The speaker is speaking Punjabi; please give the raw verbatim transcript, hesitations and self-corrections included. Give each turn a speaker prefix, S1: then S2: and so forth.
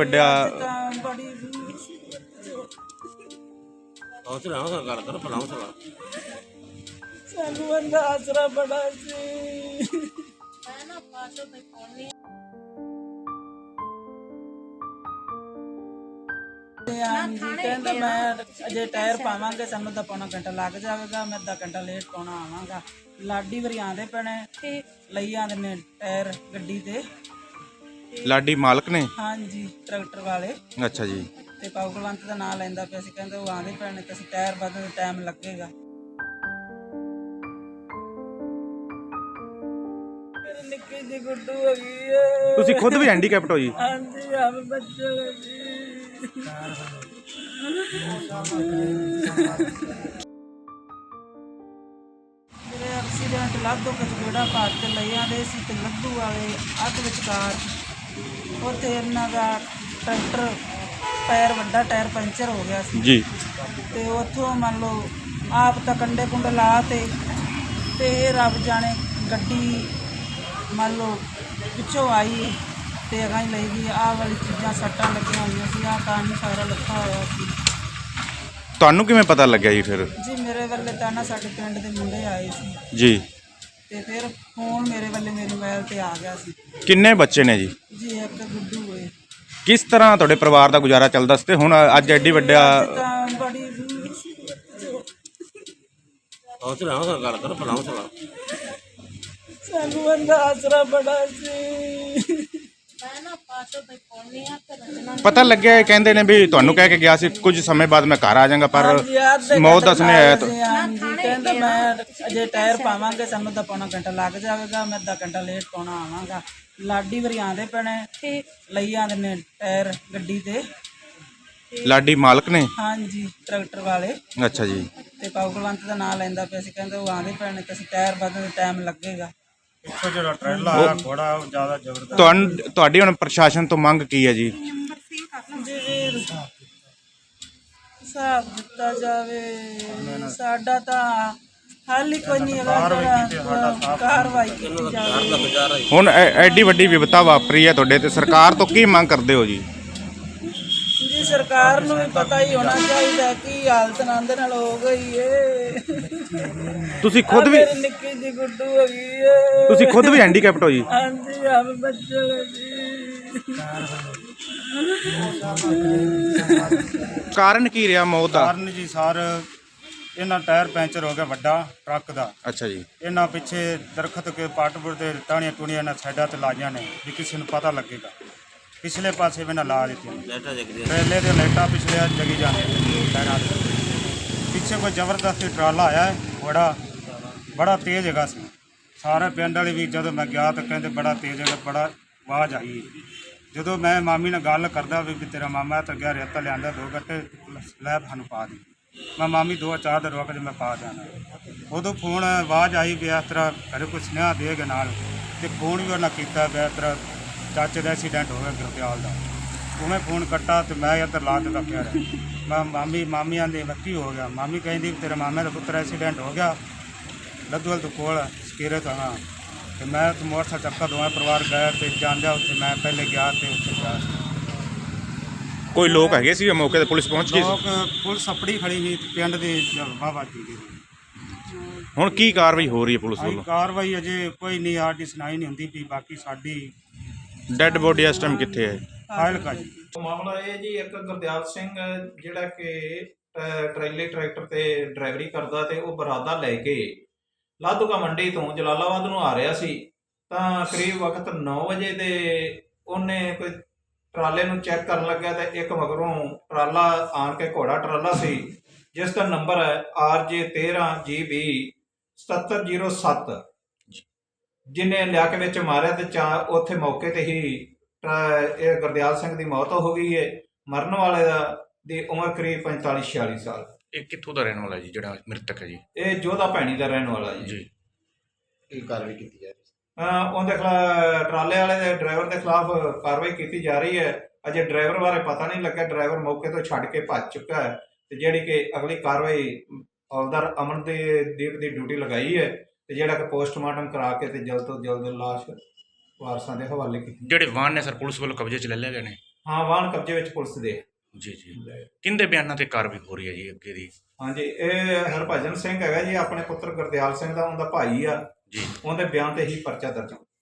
S1: ਵੱਡਾ
S2: ਬੜੀ
S3: ਹੌਸਲਾ ਹੌਸਲਾ ਗੱਲ ਕਰ ਭਲਾ ਹੌਸਲਾ
S2: ਸਾਨੂੰ ਬੰਦਾ ਆਸਰਾ ਬੜਾ ਸੀ। ਕਹਿੰਦਾ ਮੈਂ ਅਜੇ ਟਾਇਰ ਪਾਵਾਂਗੇ, ਸਾਨੂੰ ਤਾਂ ਪੌਣਾ ਘੰਟਾ ਲੱਗ ਜਾਵੇਗਾ, ਮੈਂ ਅੱਧਾ ਘੰਟਾ ਲੇਟ ਪਾਉਣਾ ਆਵਾਂਗਾ। ਲਾਡੀ ਵਰੀ ਆਂਦੇ ਪੈਣੇ ਲਈ ਆਂਦੇ ਨੇ ਟਾਇਰ ਗੱਡੀ ਤੇ।
S1: ਲਾਡੀ ਮਾਲਕ ਨੇ?
S2: ਹਾਂਜੀ, ਟਰੈਕਟਰ ਵਾਲੇ।
S1: ਅੱਛਾ ਜੀ।
S2: ਤੇ ਪਾਉਗਲਵੰਤ ਦਾ ਨਾਂ ਲੈਂਦਾ ਪਿਆ ਸੀ, ਕਹਿੰਦੇ ਉਹ ਆਂਦੇ ਪੈਣੇ ਤੇ ਅਸੀਂ ਟਾਇਰ ਬਦਲਣ ਦਾ ਟਾਈਮ ਲੱਗੇਗਾ। ਮੇਰੀ ਨਿੱਕੀ ਜਿਹੀ ਗੁੱਡੂ ਹੋ ਗਈ ਹੈ।
S1: ਤੁਸੀਂ ਖੁਦ ਵੀ ਹੈਂਡੀਕੈਪਟ ਹੋ ਜੀ?
S2: ਹਾਂਜੀ, ਆਪ ਬੱਚੇ ਜੀ। ਮੇਰੇ ਐਕਸੀਡੈਂਟ ਲੱਦੋ ਕਚਗੜਾ ਪਾਰ ਤੇ ਲਈ ਆਂਦੇ ਸੀ ਤੇ ਲੱਦੂ ਵਾਲੇ ਅੱਧ ਵਿਚਕਾਰ ਉੱਥੇ ਇਹਨਾਂ ਦਾ ਟਰੈਕਟਰ ਟਾਇਰ ਵੱਡਾ ਟਾਇਰ ਪੰਚਰ ਹੋ ਗਿਆ ਸੀ
S1: ਜੀ। ਤੇ
S2: ਉੱਥੋਂ ਮੰਨ ਲਓ ਆਪ ਤਾਂ ਕੰਡੇ ਕੁੰਡੇ ਲਾ ਤੇ ਤੇ ਇਹ ਰੱਬ ਜਾਣੇ ਗੱਡੀ ਮੰਨ ਲਓ ਪਿੱਛੋਂ ਆਈ ਤੇ ਅਗਾਂ ਹੀ ਲਈ ਗਈ। ਆਹ ਵਾਲੀ ਚੀਜ਼ਾਂ ਸੱਟਾਂ ਲੱਗੀਆਂ ਹੋਈਆਂ ਸੀ, ਆਹ ਕਾਨ ਸਾਰਾ ਲੱਖਾ ਹੋਇਆ ਸੀ।
S1: ਤੁਹਾਨੂੰ ਕਿਵੇਂ ਪਤਾ ਲੱਗਿਆ ਜੀ ਫਿਰ?
S2: ਜੀ ਮੇਰੇ ਵੱਲੇ ਤਾਂ ਨਾ ਸਾਡੇ ਪਿੰਡ ਦੇ ਮੁੰਡੇ ਆਏ ਸੀ
S1: ਜੀ।
S2: ਤੇ ਫਿਰ ਫੋਨ ਮੇਰੇ ਵੱਲੇ ਮੇਰੇ ਮੋਬਾਈਲ ਤੇ ਆ ਗਿਆ ਸੀ।
S1: ਕਿੰਨੇ ਬੱਚੇ ਨੇ ਜੀ?
S2: ਜੀ ਇੱਕ ਗੁੱਡੂ ਹੋਏ।
S1: ਕਿਸ ਤਰ੍ਹਾਂ ਤੁਹਾਡੇ ਪਰਿਵਾਰ ਦਾ ਗੁਜ਼ਾਰਾ ਚੱਲਦਾ ਸੀ ਤੇ ਹੁਣ ਅੱਜ ਐਡੀ ਵੱਡਾ?
S2: ਤਾਂ ਬੜੀ
S3: ਹੌਸਲਾ ਹੌਸਲਾ ਗੱਲ ਕਰ ਭਲਾ ਹੌਸਲਾ
S2: ਸਾਨੂੰ ਬੰਦਾ ਆਸਰਾ ਬੜਾ ਸੀ।
S1: ਪਤਾ ਲੱਗਿਆ ਇਹ ਕਹਿੰਦੇ ਨੇ ਵੀ ਤੁਹਾਨੂੰ ਕਹਿ ਕੇ ਗਿਆ ਸੀ ਕੁਝ ਸਮੇਂ ਬਾਅਦ ਮੈਂ ਘਰ ਆ ਜਾਵਾਂਗਾ, ਪਰ ਮੌਤ ਦਾ ਸੁਨੇਹਾ ਆਇਆ।
S2: ਕਹਿੰਦਾ ਮੈਂ ਅਜੇ ਟਾਇਰ ਪਾਵਾਂਗੇ, ਸਾਨੂੰ ਤਾਂ ਪੌਣਾ ਘੰਟਾ ਲੱਗ ਜਾਵੇਗਾ, ਮੈਂ ਅੱਧਾ ਘੰਟਾ ਲੇਟ ਪਾਉਣਾ ਆਵਾਂਗਾ। ਲਾਡੀ ਵਰੀ ਆਂਦੇ ਪੈਣੇ ਲਈ ਆਂਦੇ ਨੇ ਟਾਇਰ ਗੱਡੀ ਤੇ।
S1: ਲਾਡੀ ਮਾਲਕ ਨੇ?
S2: ਹਾਂਜੀ, ਟਰੈਕਟਰ ਵਾਲੇ।
S1: ਅੱਛਾ ਜੀ।
S2: ਤੇ ਪਾਉਗਲਵੰਤ ਦਾ ਨਾਂ ਲੈਂਦਾ ਪਿਆ ਸੀ, ਕਹਿੰਦੇ ਉਹ ਆਂਦੇ ਪੈਣੇ ਤੇ ਅਸੀਂ ਟਾਇਰ ਬਦਲਣ ਦਾ ਟਾਈਮ ਲੱਗੇਗਾ।
S4: ਇੱਥੋਂ ਜਿਹੜਾ ਟ੍ਰੇਲਾ ਆਇਆ ਘੋੜਾ ਉਹ ਜ਼ਿਆਦਾ ਜ਼ਬਰਦਸਤ।
S1: ਤੁਹਾਨੂੰ ਤੁਹਾਡੀ ਹੁਣ ਪ੍ਰਸ਼ਾਸਨ ਤੋਂ ਮੰਗ ਕੀ ਹੈ ਜੀ?
S2: ਜੀ ਵੀਰ ਹਿਸਾਬ ਦਿੱਤਾ ਜਾਵੇ, ਸਾਡਾ ਤਾਂ ਹੱਲ ਹੀ ਕੋਈ ਨਹੀਂ ਹੈਗਾ, ਜਿਹੜਾ ਕਾਰਵਾਈ ਕੀਤੀ ਜਾਵੇ।
S1: ਹੁਣ ਐ- ਐਡੀ ਵੱਡੀ ਵਿਪਤਾ ਵਾਪਰੀ ਹੈ ਤੁਹਾਡੇ ਤੇ, ਸਰਕਾਰ ਤੋਂ ਕੀ ਮੰਗ ਕਰਦੇ ਹੋ ਜੀ?
S2: ਜੀ ਸਰਕਾਰ ਨੂੰ ਵੀ ਪਤਾ ਹੀ ਹੋਣਾ ਚਾਹੀਦਾ ਕੀ ਹਾਲਤ ਨੰਦ ਨਾਲ ਹੋ ਗਈ ਏ।
S1: ਤੁਸੀਂ ਖੁਦ ਵੀ
S2: ਮੇਰੀ ਨਿੱਕੀ ਜਿਹੀ ਗੁੱਡੂ ਹੋ ਗਈ ਏ।
S1: ਤੁਸੀਂ ਖੁਦ ਵੀ ਹੈਂਡੀਕੈਪਟ ਹੋ ਜੀ?
S2: ਹਾਂਜੀ, ਆਪ ਬੱਚੇ ਜੀ।
S1: ਕਾਰਨ ਕੀ ਰਿਹਾ ਮੌਤ ਦਾ?
S4: ਕਾਰਨ ਜੀ ਸਰ ਇਹਨਾਂ ਟਾਇਰ ਪੈਂਚਰ ਹੋ ਗਿਆ ਵੱਡਾ ਟਰੱਕ ਦਾ।
S1: ਅੱਛਾ ਜੀ।
S4: ਇਹਨਾਂ ਪਿੱਛੇ ਦਰਖਤ ਕੇ ਪਾਟਪੁਰ ਦੇ ਟਾਣੀਆਂ ਟੂਣੀਆਂ ਇਹਨਾਂ ਸਾਈਡਾਂ ਤੇ ਲਾਈਆਂ ਨੇ ਵੀ ਕਿਸੇ ਨੂੰ ਪਤਾ ਲੱਗੇਗਾ। ਪਿਛਲੇ ਪਾਸੇ ਵੀ ਨਾ ਲਾ ਦਿੱਤੀਆਂ
S3: ਲੈਟਾ ਜਗਦੀ
S4: ਪਹਿਲੇ ਦੇ ਲਾਈਟਾਂ ਪਿਛਲੇ ਜਗੀ ਜਾਂਦੀਆਂ ਟਾਇਰਾਂ ਦੇ ਪਿੱਛੇ। ਕੋਈ ਜ਼ਬਰਦਸਤ ਟਰਾਲਾ ਆਇਆ ਹੈ, ਬੜਾ ਬੜਾ ਤੇਜ਼ ਹੈਗਾ ਸੀ। ਸਾਰੇ ਪਿੰਡ ਵਾਲੇ ਵੀ ਜਦੋਂ ਮੈਂ ਗਿਆ ਤਾਂ ਕਹਿੰਦੇ ਬੜਾ ਤੇਜ਼ ਹੈਗਾ, ਬੜਾ ਆਵਾਜ਼ ਆਈ। ਜਦੋਂ ਮੈਂ ਮਾਮੀ ਨਾਲ ਗੱਲ ਕਰਦਾ ਵੀ ਤੇਰਾ ਮਾਮਾ ਤਾਂ ਗਿਆ ਰੇਤਾ ਲਿਆਂਦਾ ਦੋ ਗੱਟੇ ਲੈ ਸਾਨੂੰ ਪਾ ਦੇ, ਮੈਂ ਮਾਮੀ ਦੋ ਚਾਰ ਦਿਨ ਰੁਕ ਜੇ ਮੈਂ ਪਾ ਜਾਣਾ। ਉਦੋਂ ਫੋਨ ਆਵਾਜ਼ ਆਈ ਵੀ ਇਸ ਤਰ੍ਹਾਂ ਘਰੇ ਕੋਈ ਸੁਨੇਹਾ ਦੇਗਾ ਨਾਲ, ਤੇ ਫੋਨ ਵੀ ਉਹਨਾਂ ਕੀਤਾ ਵੀ ਇਸ ਤਰ੍ਹਾਂ ਚਾਚੇ ਦਾ ਐਕਸੀਡੈਂਟ ਹੋ ਗਿਆ ਗੁਰਦਿਆਲ ਦਾ। ਉਵੇਂ ਫੋਨ ਕੱਟਾ ਤੇ ਮੈਂ ਇੱਧਰ ਲਾ ਕੇ ਰੱਖਿਆ ਰਿਹਾ। ਮੈਂ ਮਾਮੀ ਮਾਮੀਆਂ ਦੇ ਕੀ ਹੋ ਗਿਆ? ਮਾਮੀ ਕਹਿੰਦੀ ਤੇਰੇ ਮਾਮੇ ਦਾ ਪੁੱਤਰ ਐਕਸੀਡੈਂਟ ਹੋ ਗਿਆ ਲੱਦੂਵਾਲ ਤੋਂ ਕੋਲ ਸਕੇਰੇ ਤੋਂ। ਹਾਂ, ਤੇ ਮੈਂ ਤੇ ਮੋਟਰਸਾਈਕਲ ਚੱਕਾ ਦੋਵੇਂ ਪਰਿਵਾਰ ਗਏ ਤੇ ਜਾਂਦਿਆ ਉੱਥੇ ਮੈਂ ਪਹਿਲੇ ਗਿਆ ਤੇ ਉੱਥੇ ਗਿਆ।
S1: ਕੋਈ ਲੋਕ ਹੈਗੇ ਸੀ ਮੌਕੇ ਤੇ? ਪੁਲਿਸ ਪਹੁੰਚ ਗਈ
S4: ਲੋਕ
S1: ਸੀ?
S4: ਪੁਲਿਸ ਆਪਣੀ ਖੜੀ ਸੀ ਤੇ ਪਿੰਡ ਦੇ ਵਾਹਵਾ ਜੀ ਦੀ।
S1: ਹੁਣ ਕੀ ਕਾਰਵਾਈ ਹੋ ਰਹੀ ਹੈ ਪੁਲਿਸ
S4: ਅਸੀਂ
S1: ਵੱਲੋਂ?
S4: ਕਾਰਵਾਈ ਅਜੇ ਕੋਈ ਨਹੀਂ, ਸਾਡੀ ਸੁਣਾਈ ਨਹੀਂ ਹੁੰਦੀ ਵੀ ਬਾਕੀ ਸਾਡੀ
S1: ਡੈੱਡ ਬੋਡੀ ਇਸ ਟਾਈਮ ਕਿੱਥੇ ਹੈ?
S4: ਫਾਈਲ ਕਾ ਜੀ।
S5: ਮਾਮਲਾ ਇਹ ਜੀ, ਇੱਕ ਗੁਰਦਿਆਲ ਸਿੰਘ ਜਿਹੜਾ ਕਿ ਟਰੈਲੀ ਟਰੈਕਟਰ ਤੇ ਡਰਾਈਵਰੀ ਕਰਦਾ ਤੇ ਉਹ ਬਰਾਦਾ ਲੈ ਕੇ ਲਾਧੂਕਾ ਮੰਡੀ ਤੋਂ ਜਲਾਲਾਬਾਦ ਨੂੰ ਆ ਰਿਹਾ ਸੀ। ਤਾਂ ਕਰੀਬ ਵਕਤ ਨੌ ਵਜੇ ਦੇ ਉਹਨੇ ਕੋਈ ਟਰਾਲੇ ਨੂੰ ਚੈੱਕ ਕਰਨ ਲੱਗਿਆ ਤੇ ਇੱਕ ਮਗਰੋਂ ਟਰਾਲਾ ਆਣ ਕੇ ਘੋੜਾ ਟਰਾਲਾ ਸੀ ਜਿਸ ਦਾ ਨੰਬਰ ਹੈ ਆਰ ਜੇ ਤੇਰਾਂ ਜੀ ਬੀ ਸਤੱਤਰ ਜ਼ੀਰੋ ਸੱਤ, ਜਿਹਨੇ ਲਿਆ ਕੇ ਵਿੱਚ ਮਾਰਿਆ ਤੇ ਚਾ ਉੱਥੇ ਮੌਕੇ ਤੇ ਹੀ ਇਹ ਗੁਰਦਿਆਲ ਸਿੰਘ ਦੀ ਮੌਤ ਹੋ ਗਈ ਹੈ। ਮਰਨ ਵਾਲੇ ਦਾ ਦੀ ਉਮਰ ਕਰੀਬ ਪੰਤਾਲੀ ਛਿਆਲੀ ਸਾਲ।
S1: ਇਹ ਕਿੱਥੋਂ ਦਾ ਰਹਿਣ ਵਾਲਾ ਜੀ ਜਿਹੜਾ ਮ੍ਰਿਤਕ ਹੈ ਜੀ?
S5: ਇਹ ਜੋਧਾ ਭੈਣੀ ਦਾ ਰਹਿਣ ਵਾਲਾ ਜੀ।
S1: ਜੀ।
S3: ਕੀ ਕਾਰਵਾਈ ਕੀਤੀ ਜਾਏ?
S5: ਉਹਦੇ ਖਿਲਾਫ ਟਰਾਲੇ ਵਾਲੇ ਦੇ ਡਰਾਈਵਰ ਦੇ ਖਿਲਾਫ ਕਾਰਵਾਈ ਕੀਤੀ ਜਾ ਰਹੀ ਹੈ। ਅਜੇ ਡਰਾਈਵਰ ਬਾਰੇ ਪਤਾ ਨਹੀਂ ਲੱਗਾ, ਡਰਾਈਵਰ ਮੌਕੇ ਤੋਂ ਛੱਡ ਕੇ ਭੱਜ ਚੁੱਕਾ ਹੈ ਤੇ ਜਿਹੜੀ ਕਿ ਅਗਲੀ ਕਾਰਵਾਈ ਹੌਲਦਾਰ ਅਮਨ ਦੇ ਦੀਪ ਦੀ ਡਿਊਟੀ ਲਗਾਈ ਹੈ ਤੇ ਜਿਹੜਾ ਕਿ ਪੋਸਟਮਾਰਟਮ ਕਰਾ ਕੇ ਤੇ ਜਲਦ ਤੋਂ ਜਲਦ ਲਾਸ਼ ਵਾਰਸਾਂ ਦੇ ਹਵਾਲੇ ਕੀਤੀ।
S1: ਜਿਹੜੇ ਵਾਹਨ ਨੇ ਸਰ ਪੁਲਿਸ ਵੱਲੋਂ ਕਬਜ਼ੇ 'ਚ ਲੈ ਲਿਆ ਗਏ ਨੇ?
S5: ਹਾਂ ਵਾਹਨ ਕਬਜ਼ੇ ਵਿੱਚ ਪੁਲਿਸ ਦੇ।
S6: ਜੀ ਜੀ ਕਿੰਦੇ ਬਿਆਨਾਂ ਤੇ ਕਾਰਵਾਈ ਹੋ ਰਹੀ ਹੈ ਜੀ ਅੱਗੇ ਦੀ?
S5: ਹਾਂਜੀ ਇਹ ਹਰਭਜਨ ਸਿੰਘ ਹੈਗਾ ਜੀ ਆਪਣੇ ਪੁੱਤਰ ਗੁਰਦਿਆਲ ਸਿੰਘ ਦਾ ਉਹਦਾ ਭਾਈ ਆ
S6: ਜੀ
S5: ਉਹਦੇ ਬਿਆਨ ਤੇ ਹੀ ਪਰਚਾ ਦਰਜ